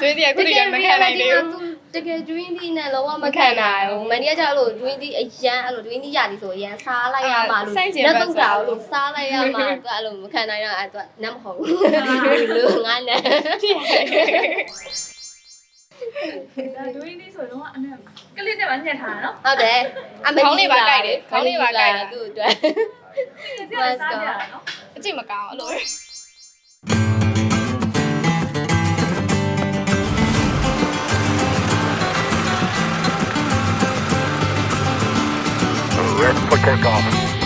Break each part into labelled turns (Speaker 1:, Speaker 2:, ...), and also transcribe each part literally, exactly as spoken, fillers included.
Speaker 1: တွင်းဒီအခုဒီကမခံနိုင်သေးဘူး
Speaker 2: တကယ် dream ဒီနဲ့လောကမခံနိုင်ဘူးမန်ဒီကကြောက်လို့ dream ဒီအရန်အဲ့လို dream ဒီရသည်ဆိုအရန်စားလိုက်ရမှာလို့လက်တော့တာလို့စားလိုက်ရမှာသူအဲ့လိုမခံနိုင်တော့အဲ့သူနတ်မဟုတ်ဘူးလူငါနဲ့
Speaker 3: ဒါဒွေးလေးဆိုတော့အနက်ကလေးနဲ့မှညှက်ထားတာနော်
Speaker 2: ဟုတ်တယ်
Speaker 1: အမေခေါင်းလေးပါကြိုက်တယ်ခေါင်းလေးပါကြိုက်တာ
Speaker 2: သူ့အတွက်
Speaker 3: Let's go
Speaker 1: အကြည့်မကောင်းအဲ့လို
Speaker 4: Red for takeoff.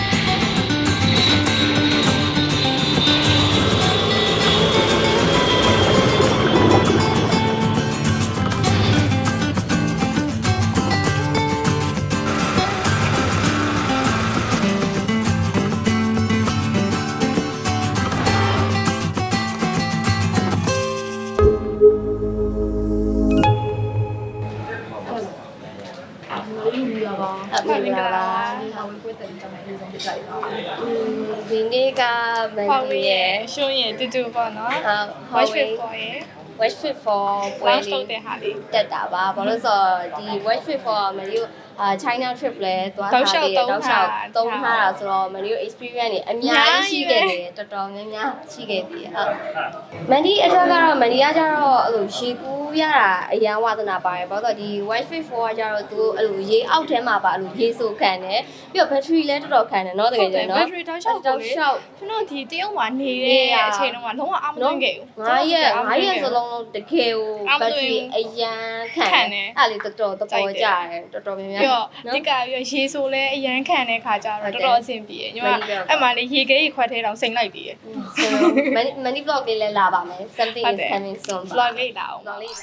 Speaker 2: ဒီနေ့ကမန်ဒီရဲ့
Speaker 1: ရှုံးရင်တူတူပေါ့နော်
Speaker 2: ဟုတ်
Speaker 1: watch fit for ရဲ့
Speaker 2: watch fit for ပွဲ
Speaker 1: launch
Speaker 2: လေး
Speaker 1: လုပ်တဲ့ဟာလေး
Speaker 2: တက်တာပါဘာလို့ဆိုတော့ဒီ watch fit for မန်ဒီအာ China trip လဲသွားထားတယ်တောက်လျှောက်သုံးထားတာဆိုတော့မန်ဒီ experience တွေအများကြီးရှိခဲ့တယ်တော်တော်များများရှိခဲ့ပြီဟုတ်မန်ဒီအတွက်ကတော့မန်ဒီကကျတော့အဲ့လိုရေကူးရတာအရန်ဝါသနာပါတယ်ဘာလို့ဆိုတော့ဒီ watch fit for ကကျတော့သူအဲ့လိုရေအောက်ထဲမှာပါအဲ့လိုရေဆိုခံတယ်ပြီးတော့ battery လဲတော်တော်ခံတယ်เนาะတကယ်ကျနော်
Speaker 1: battery တောက်လျှောက်တောက်လျှောက်ကျွန်တော်ဒီတရုတ်မှာနေတဲ့အချိန်တုန်းကလုံးဝအားမသွင်းခဲ့ဘူး
Speaker 2: ငါးရက်ငါးရက်စလုံးလုံးတကယ်ကို battery အရန်ခံတယ်အဲ့လေတော်တော်တော်တော်ကြတယ်တော်တော်များများ
Speaker 1: ပြီးတော့ဒီကပြီးတော့ရေဆိုလဲအရန်ခံတဲ့ခါကျတော့တော်တော်အဆင်ပြေညီမအဲ့မှာလေရေခဲကြီးခွက်ထဲတောင်စိမ့်လိုက်သေးတယ်
Speaker 2: ဆိုတော့ many vlog လေးလည်းလာပါမယ် something is coming soon
Speaker 1: vlog လေးလာအောင်
Speaker 2: vlog လေး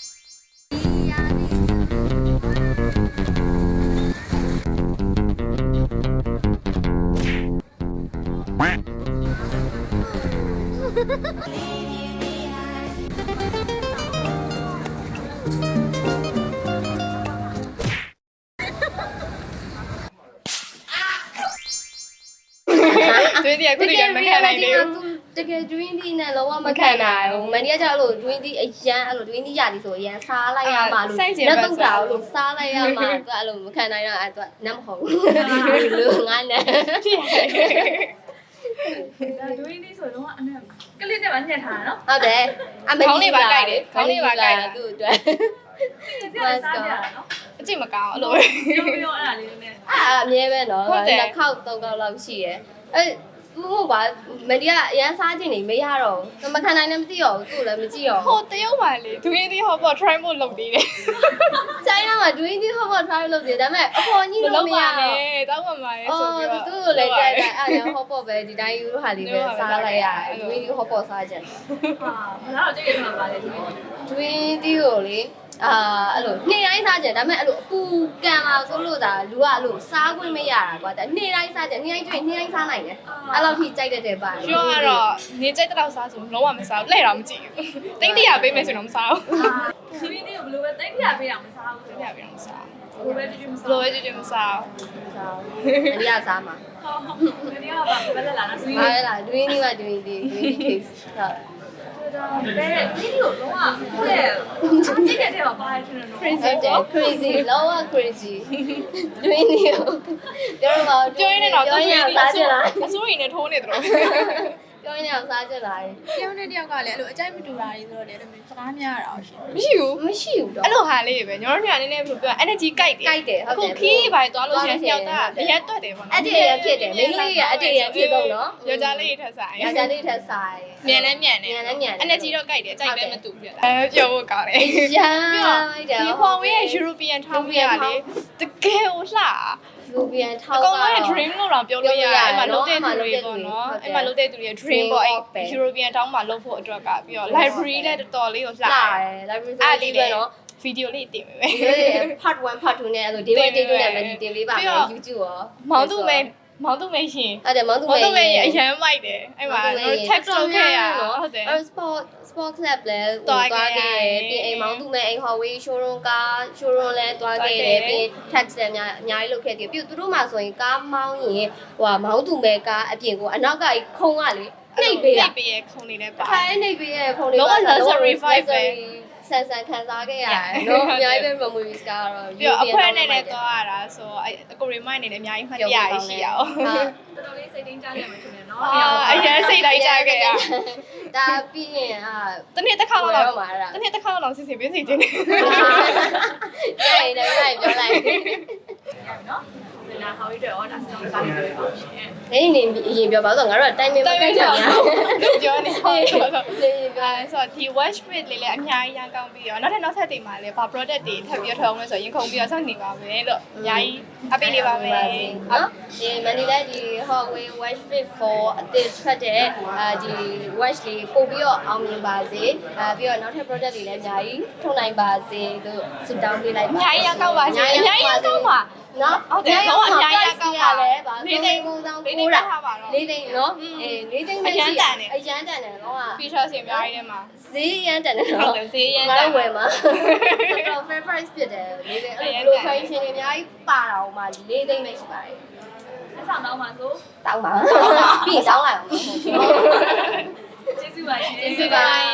Speaker 1: တွင်းဒီအခုဒီကမခံနိုင်သေးဘူး
Speaker 2: တကယ် dream ဒီနဲ့လောကမခံနိုင်ဘူးမန်ဒီကကြောက်လို့ dream ဒီအရန်အဲ့လို dream ဒီရသည်ဆိုအရန်စားလိုက်ရမှာလို့လက်တော့တာလို့စားလိုက်ရမှာသူအဲ့လိုမခံနိုင်တော့အဲ့သူနတ်မဟုတ်ဘူးလူငါနဲ့
Speaker 3: ဒါဒွေးလေးဆိုတော့အနက်ကလေးနဲ့မှညှက်ထားတာနော်
Speaker 2: ဟုတ်တယ်အမေ
Speaker 1: ခေါင်းလေးပါကြိုက်တယ်ခေါင်းလေးပါကြိုက်တာ
Speaker 2: သူ့အတွက်
Speaker 3: Let's go နော်
Speaker 1: အကြည့်မကောင်းအဲ့လို
Speaker 3: ပြောပြောအဲ့ဒါလေးနဲ့
Speaker 2: အာအမြဲပဲနော်နှစ်ခေါက်သုံးခေါက်လောက်ရှိရယ်အဲ့မဟုတ်ပါမဒီကအရန်စားခြင်းနေမရတော့ဘူးမခံနိုင်လည်းမသိတော့ဘူးသူ့လည်းမကြည့်တော့
Speaker 1: ဟိုတရုတ်မှာလေဒွင်းဒီဟောပေါ့ try ဖို့လုပ်သေးတယ်
Speaker 2: ချိုင်းနာမှာ doing this ဟောပေါ့ try လုပ်သေးတယ်ဒါပေမဲ့အပေါ်ကြီးလို့မရတော့
Speaker 1: တောင်းပါမှာရဲ့ဆိုပြီးတော့
Speaker 2: သူ့ကိုလည်းကြိုက်တယ်အဲ့ဒါဟောပေါ့ပဲဒီတိုင်းယူဟာလေးပဲစားလိုက်ရတယ် doing this ဟောပေါ့စားခြင်း
Speaker 3: ဟာဘာလို့ကြိတ်ရမှာပါလဲဒီ
Speaker 2: doing this ကိုလေအာအဲ့လိုနေ့တိုင်းစားကြတယ်ဒါပေမဲ့အဲ့လိုအပူကန်လာဆိုလို့ဒါလူကအဲ့လိုစားခွင့်မရတာကွာဒါနေ့တိုင်းစားကြနေ့တိုင်းကျွေးနေ့တိုင်းစားနိုင်တယ်အဲ့လောက်ထိကြိုက်တတ်တယ်ပါ
Speaker 1: ကျွန်းကတော့နေကြိုက်တော့စားဆိုလုံးဝမစားဘူးလှည့်တော့မကြည့်ဘူးတိတ်တရပေးမယ်ဆိုတော့မစားဘူး
Speaker 3: ဒီနေ့ကိုဘယ်လိုပဲတိတ်ပြပေးတာမစားဘူး
Speaker 1: တိတ်တရပေးတော့မစား
Speaker 3: ဘယ်လိုပဲကြည့်ကြည့်မစား
Speaker 1: ဘူးဘယ်လိုပဲကြည့်ကြည့်မစား
Speaker 2: အရိယာစားမှာ
Speaker 3: ဟုတ်ဒီနေ့ကဘာပဲလာလားစီး
Speaker 2: အားလား doing ဒီမှာ doing ဒီ doing case ဟုတ်
Speaker 3: ဘယ်ဒီနေ့ကိုလုံးဝကိုယ့်ရဲ့ကြည့်တဲ့ထဲမှာပါတယ်ရှင်နော်
Speaker 2: crazy တယ် crazy လောက crazy doing ဒီပြောတော့
Speaker 1: ပြောရင်းနဲ့တော့
Speaker 2: ပြောရင်းစားကြလား
Speaker 1: အစိုးရနဲ့ထိုးနေတယ်တော့
Speaker 2: ပြောရင်းနဲ့စားကြလား
Speaker 5: တယောက်နဲ့တယောက်ကလည်းအဲ့လိုအကြိုက်မတူတာတွေဆိုတော့လေအဲ့လိုမျိုးစကားများရတာရှင်
Speaker 1: မရှိဘူး
Speaker 2: မရှိဘူးတော့
Speaker 1: အဲ့လိုဟာလေးပဲညီတို့တို့ကနည်းနည်းဘယ်လိုပြော energy ကြိုက်တယ်
Speaker 2: ကြိုက်တယ်ဟုတ်တယ်
Speaker 1: အခုခီးပါသွားလို့ရှိရင်ညောက်တာအရက်တွက်တယ်ပေါ့နော်
Speaker 2: အတ္တရဖြစ်တယ်မိန်းကလေးကအတ္တရဖြစ်တော့နော်
Speaker 1: ယောက်ျားလေးထက်ဆိုင်
Speaker 2: ယောက်ျားလေးထက်ဆိုင်
Speaker 1: မြန်လဲမြန်တယ်
Speaker 2: မြန်လဲမြန်တယ်
Speaker 1: energy တော့ကြိုက်တယ်ကြိုက်လဲမတူဘူးပြတာအဲပြောဖို့ကောင်းတယ်
Speaker 2: ရမ်း
Speaker 1: ပြီးတော့ဒီ Huawei ရဲ့ European ထောင်းပြရလေတကယ်ဟိုလှ
Speaker 2: လူပြန်ထော
Speaker 1: အ
Speaker 2: က်
Speaker 1: ကောင်လုံးရဲ့ dream လို့တော့ပြောလို့ရတယ်အဲ့မှာလုံးတဲ့သူတွေပေါ့နော်အဲ့မှာလုံးတဲ့သူတွေရဲ့ dream ပေါ့အဲ့ European တောင်းမှာလုပ်ဖို့အတွက်ကပြီးတော့ library လည်းတော်တော်လေးကိုလှတယ်
Speaker 2: library လေးပဲနော်
Speaker 1: ဗီဒီယိုလေးတင်ပေးမယ်
Speaker 2: part one part two နဲ့အဲ့လို day one day two နဲ့မတင်ပေးပါမယ် YouTube ရော
Speaker 1: မောင်သူမဲမောင်သူမဲရှင်
Speaker 2: အဲ့ဒါမောင်သူမဲ
Speaker 1: မောင်သူမဲအရန်မိုက်တယ်အဲ့မှာ text လုပ်ခဲ့ရဟုတ်တယ်
Speaker 2: အဲ့ sport sport club လဲသွားခဲ့တယ်ပြီးအိမ်မောင်သူမဲအိမ် Huawei showroom ကား showroom လဲသွားခဲ့တယ်ပြီး tax လည်းအများအများကြီးလုပ်ခဲ့တယ်ပြီးသူတို့မှဆိုရင်ကားမောင်းရင်ဟိုဟာမောင်သူမဲကားအပြင်ကိုအနောက်ကခုံကလေနှိပ်ပေးရ
Speaker 1: နှိပ်ပေးရခုံနေလဲပါ
Speaker 2: ခိုင်းနှိပ်ပေးရခုံလေး
Speaker 1: လုံးဝ luxury vibe ပဲ
Speaker 2: စဆန်ဆန်ခံစားခဲ့ရတယ်နော်အများကြီးပဲ memories ကတော့
Speaker 1: ပြီးတော့အဖွဲနဲ့လည်းသွားရတာဆိုအဲ့ကိုရီမိုင်းအနေနဲ့အများကြီးမှတ်ရရရှိရအောင်
Speaker 2: ဟုတ်
Speaker 3: တော်တော်လေးစိတ်တင်းကြရမှာထင်တယ်နော်
Speaker 1: အာအရင်စိတ်လိုက်ကြခဲ့ရ
Speaker 2: ဒါပြီးရင်အာ
Speaker 1: တနေ့တစ်ခါတော့
Speaker 2: တော့မှာတာ
Speaker 1: တနေ့တစ်ခါတော့စီစီပေးစီခြင်းနေ
Speaker 2: ကြိုင်တယ်ကြိုင်ပြောလိုက်
Speaker 3: နော်ဒီနာဟောပြီးတော့ဒါစတော့စားပြီးတော့ရှင်
Speaker 2: နေနေအရင်ပြောပါဆိုငါတို့ကတိုင်မင်မကိုက်ကြဘူး
Speaker 1: ပြောနေဟုတ်ဆိုတော့
Speaker 2: နေ
Speaker 1: အဲဆိုတော့ဒီ watch fit လေးလည်းအများကြီးရန်ကောင်းပြီးတော့နောက်ထပ်နောက်ဆက်တွေမှာလည်းဘာ product တွေထပ်ပြီးထောင်းလဲဆိုရင်ခုံပြီးတော့စောင့်နေပါမယ်လို့အများကြီးအပိနေပါမယ်
Speaker 2: နော်ဒီမန်ဒီလည်းဒီ Huawei Watch Fit four အသစ်ထွက်တဲ့အဲဒီ watch လေးပို့ပြီးတော့အောင်မြင်ပါစေအဲပြီးတော့နောက်ထပ် product တွေလည်းအများကြီးထုတ်နိုင်ပါစေလို့ဆုတောင်းပေးလိုက်ပါ
Speaker 1: အများကြီးရန်ကောင်းပါစေအများကြီးရန်ကောင်းပါ
Speaker 2: နော်
Speaker 1: ဟုတ်တယ်တော့အများကြီးရန်ကောင်းပါ
Speaker 2: လဲဗာ
Speaker 1: လေးသိန်း
Speaker 2: ပုံစံ
Speaker 1: လေး
Speaker 2: ကို
Speaker 1: သိန်း
Speaker 2: တာ
Speaker 1: ထားပါတော့
Speaker 2: လေးသိန်းနော်အေးလေးသိန်းမရှိအရန်တန်တယ်အရန်တန်တယ်တော့
Speaker 1: feature တွေအများကြီးထဲမှာ
Speaker 2: ဈေးရန်တန်တယ်
Speaker 1: ဟုတ်
Speaker 2: နော်
Speaker 1: တယ်ဈေးရန်
Speaker 2: ငါ
Speaker 1: တန်
Speaker 2: တို့ဝယ်မှာတော် fair price ဖြစ်တယ်လေးသိန်းအဲ့လို function တွေအများကြီးပါတာဟိုမှာလေးသိန်းပဲရှိပါတယ်
Speaker 3: လက်ဆောင်တော့မှာဆို
Speaker 2: တောင်းပါပြီးတောင်းလိုက်အောင်
Speaker 3: ကျေးဇူးပါရှင်
Speaker 1: ကျေးဇူးပါ